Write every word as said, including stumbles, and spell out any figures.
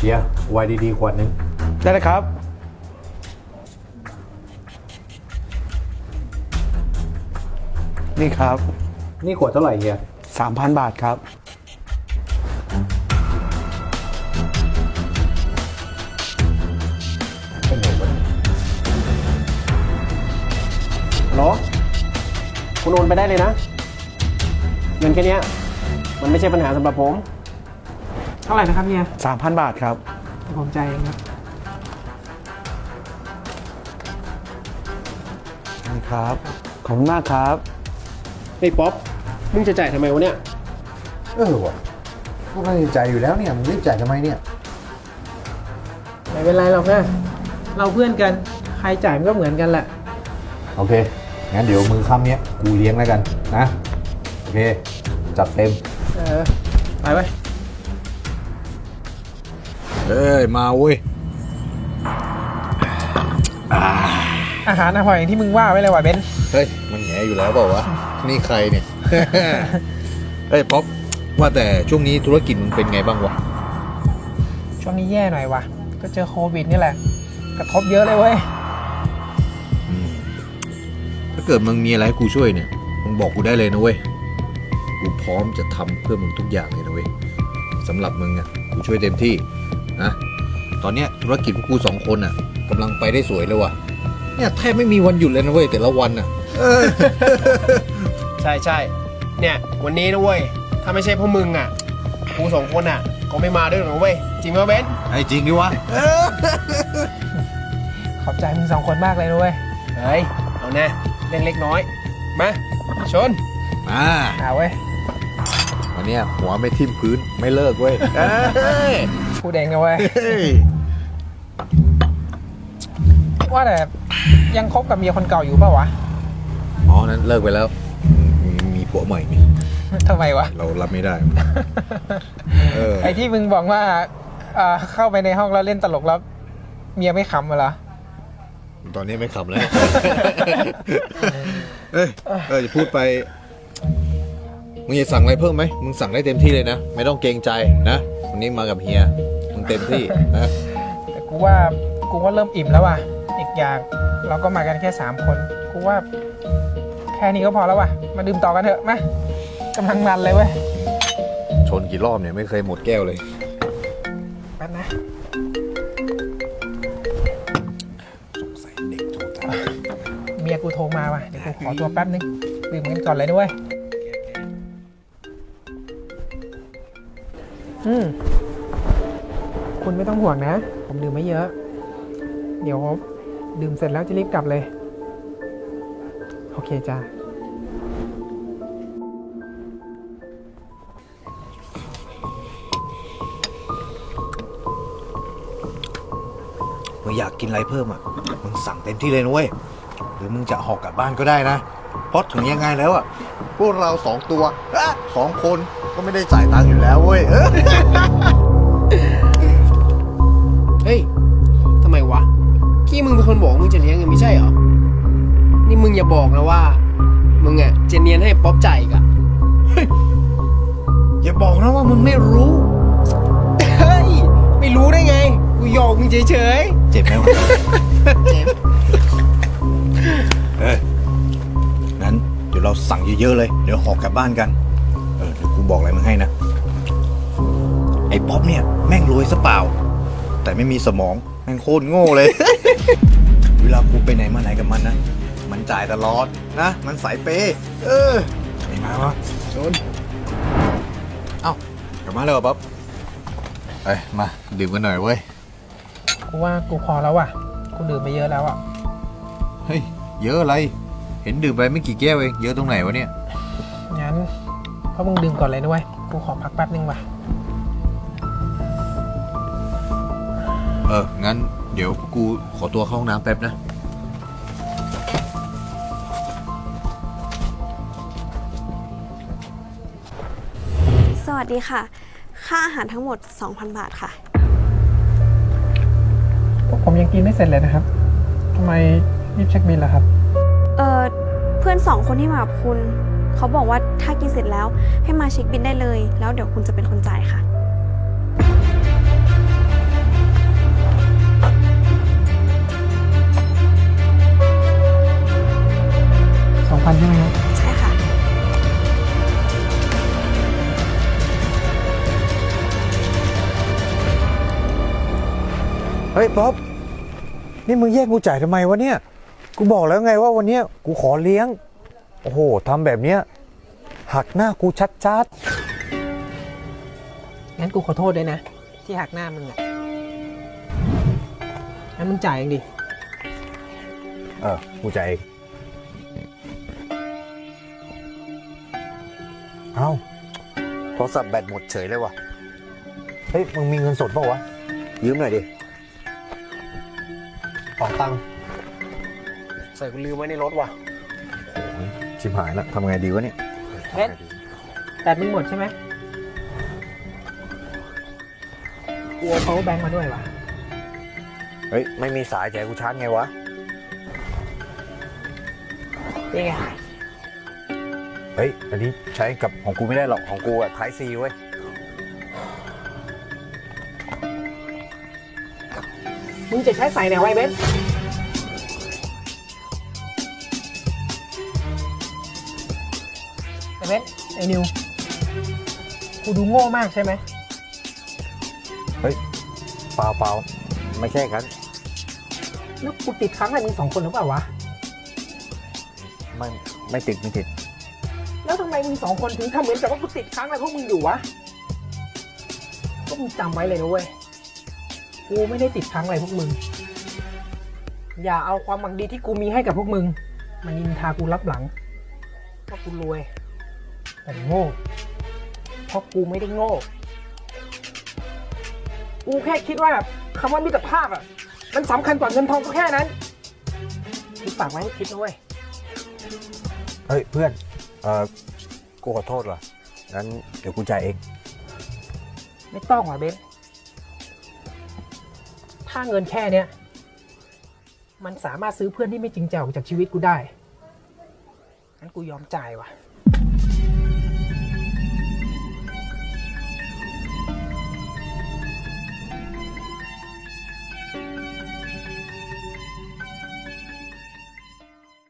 เดี๋ยวไวน์ดีๆขวดนึงได้เลยครับนี่ครับนี่ขวดเท่าไหร่เฮียสามพัน บาทครับเป็นไงวะฮัลโหลคุณโอนไปได้เลยนะเงินแค่นี้มันไม่ใช่ปัญหาสำหรับผมเท่าไหร่นะครับเนี่ยสามพัน บาทครับผมใจเองครับนี่ครับขอบคุณมากครับเฮ้ยป๊อปมึงจะจ่ายทำไมวะเนี่ยเออวะก็ไม่ได้จ่ายอยู่แล้วเนี่ยมึงรีบจ่ายทำไมเนี่ยไม่เป็นไรหรอกนะเราเพื่อนกันใครจ่ายมันก็เหมือนกันแหละโอเคงั้นเดี๋ยวมือค่ำเนี้ยกูเลี้ยงแล้วกันนะโอเคจัดเต็มเออไปไปเอ้ยมาเว้ยอาหารอร่อยอย่างที่มึงว่าไว้เลยว่ะเบนเฮ้ยมันแง่อยู่แล้วเปล่าวะนี่ใครเนี่ย เฮ้ยป๊อปว่าแต่ช่วงนี้ธุรกิจมึงเป็นไงบ้างวะช่วงนี้แย่หน่อยว่ะก็เจอโควิดนี่แหละกระทบเยอะเลยเว้ยถ้าเกิดมึงมีอะไรให้กูช่วยเนี่ยมึงบอกกูได้เลยนะเว้ยกูพร้อมจะทำเพื่อมึงทุกอย่างเลยนะเว้ยสำหรับมึงอ่ะกูช่วยเต็มที่นะตอนเนี้ยธุรกิจพวกกูสองคนอ่ะกำลังไปได้สวยเลยว่ะเนี่ยแทบไม่มีวันหยุดเลยนะเว้ยแต่ละวันอ่ะใช่ใช่เนี่ยวันนี้นะเว้ยถ้าไม่ใช่พวกมึงอ่ะกูสองคนอ่ะก็ไม่มาด้วยหรอกเว้ยจริงไหมเบนไอ้จริงดิวะขอบใจมึงสองคนมากเลยนะเว้ยเฮ้ยเอาแน่เล่นเล็กน้อยมาชนมาเอาเว้ยวันนี้หัวไม่ทิ่มพื้นไม่เลิกเว้ยพูดเองนะเว้ยว่าแต่ยังคบกับเมียคนเก่าอยู่เปล่าวะอ๋อนั้นเลิกไปแล้วมีมีผัวใหม่นี่ทำไมวะเรารับไม่ได้เออไอที่มึงบอกว่าเข้าไปในห้องแล้วเล่นตลกแล้วเมียไม่ขำเหรอตอนนี้ไม่ขำแล้วเอ้ยเออจะพูดไปมึงจะสั่งอะไรเพิ่มไหมมึงสั่งได้เต็มที่เลยนะไม่ต้องเกรงใจนะวันนี้มากับเฮียมึงเต็มที่นะแต่กูว่ากูว่าเริ่มอิ่มแล้วว่ะอีกอย่างเราก็มากันแค่สามคนกูว่าแค่นี้ก็พอแล้วว่ะมาดื่มต่อกันเถอะมากำลังมันเลยเว้ยชนกี่รอบเนี่ยไม่เคยหมดแก้วเลยแป๊บนะสงสัยเด็กโทรตามเมียกูโทรมาว่ะเดี๋ยวกูขอตัวแป๊บนึงดื่มกันก่อนเลยด้วยอืมคุณไม่ต้องห่วงนะผมดื่มไม่เยอะเดี๋ยวดื่มเสร็จแล้วจะรีบกลับเลยโอเคจ้ามึงอยากกินอะไรเพิ่มอ่ะมึงสั่งเต็มที่เลยนะเว้ยหรือมึงจะห่อกลับบ้านก็ได้นะเพราะถึงยังไงแล้วอ่ะพวกเราสองตัวสองคนก็ไม่ได้จ่ายตังค์อยู่แล้วเว้ยเฮ้ยทำไมวะกี้มึงเป็นคนบอกมึงจะเลี้ยงยังไม่ใช่เหรอนี่มึงอย่าบอกนะว่ามึงอ่ะจะเนียนให้ป๊อปจ่ายอีกอ่ะอย่าบอกนะว่ามึงไม่รู้เฮ้ยไม่รู้ได้ไงกูหยอกมึงเฉยเฉยเจ็บไหมวะเจ็บเอองั้นเดี๋ยวเราสั่งเยอะๆเลยเดี๋ยวห่อกลับบ้านกันเออเดี๋ยวกูบอกอะไรมึงให้นะไอ้ป๊อปเนี่ยแม่งรวยซะเปล่าแต่ไม่มีสมองแม่งโคตรโง่เลย เวลากูไปไหนมาไหนกับมันนะมันจ่ายตลอดนะมันสายเปย์เออไอ้มาวะชนเอ้ากลับมาเลยป๊อปเอ้ยมาดื่มกันหน่อยเว้ยกูว่ากูพอแล้วว่ะกูดื่มไปเยอะแล้วอ่ะเฮ้ยเยอะอะไรเห็นดื่มไปไม่กี่แก้วเองเยอะตรงไหนวะเนี่ยงั้นเพราะมึงดื่มก่อนเลยนะเว้ยกูขอพักแป๊บนึงว่ะเอองั้นเดี๋ยวกูขอตัวเข้าห้องน้ำแป๊บนะสวัสดีค่ะค่าอาหารทั้งหมด สองพัน บาทค่ะพวกผมยังกินไม่เสร็จเลยนะครับทำไมรีบเช็คบิลล่ะครับเออเพื่อนสองคนที่มากับคุณเขาบอกว่าถ้ากินเสร็จแล้วให้มาเช็คบิลได้เลยแล้วเดี๋ยวคุณจะเป็นคนจ่ายค่ะเฮ้ยป๊อปนี่มึงแยกกูจ่ายทำไมวะเนี่ยกูบอกแล้วไงว่าวันเนี้ยกูขอเลี้ยงโอ้โหทำแบบเนี้ยหักหน้ากูชัดงั้นกูขอโทษด้วยนะ ที่หักหน้ามึงอ่ะงั้นมึงจ่ายเองดิๆเออกูจ่ายเองเอ้าโทรศัพท์แบตหมดเฉยเลยว่ะเฮ้ยมึงมีเงินสดเปล่าวะยืมหน่อยดิขอตังค์ใส่กูลืมไว้ในรถว่ะชิบหายละทำไงดีวะเนี่ยเบ็ดแต่มึงหมดใช่ไหมกูเอา power bank มาด้วยว่ะเฮ้ยไม่มีสายแจกกูชาร์จไงวะนี่ไงเฮ้ยอันนี้ใช้กับของกูไม่ได้หรอกของกูอะไทซีเว้ยมึงจะใช้ใส่ไหนไว้เบ็ดไอ้เบ็ดไอ้นิว กูดูโง่มากใช่ไหมเฮ้ยเปล่าเปล่าไม่ใช่กันแล้วกูติดค้างอะไรมึงสองคนหรือเปล่าวะไม่ไม่ติดไม่ติดแล้วทำไมมึงสองคนถึงทำเหมือนกับว่ากูติดค้างอะไรพวกมึงอยู่วะ ก็มึงจำไว้เลยนะเว้ย กูไม่ได้ติดค้างอะไรพวกมึง อย่าเอาความหวังดีที่กูมีให้กับพวกมึงมานินทากูรับหลังว่ากูรวย แต่โง่ เพราะกูไม่ได้โง่ กูแค่คิดว่าแบบคำว่ามิตรภาพอ่ะ มันสำคัญกว่าเงินทองก็แค่นั้นกูฝากไว้ให้คิดนะเว้ยเฮ้ยเพื่อนเออกูขอโทษว่ะงั้นเดี๋ยวกูจ่ายเองไม่ต้องหรอเบนถ้าเงินแค่เนี้ยมันสามารถซื้อเพื่อนที่ไม่จริงใจออกจากชีวิตกูได้ งั้นกูยอมจ่ายว่ะ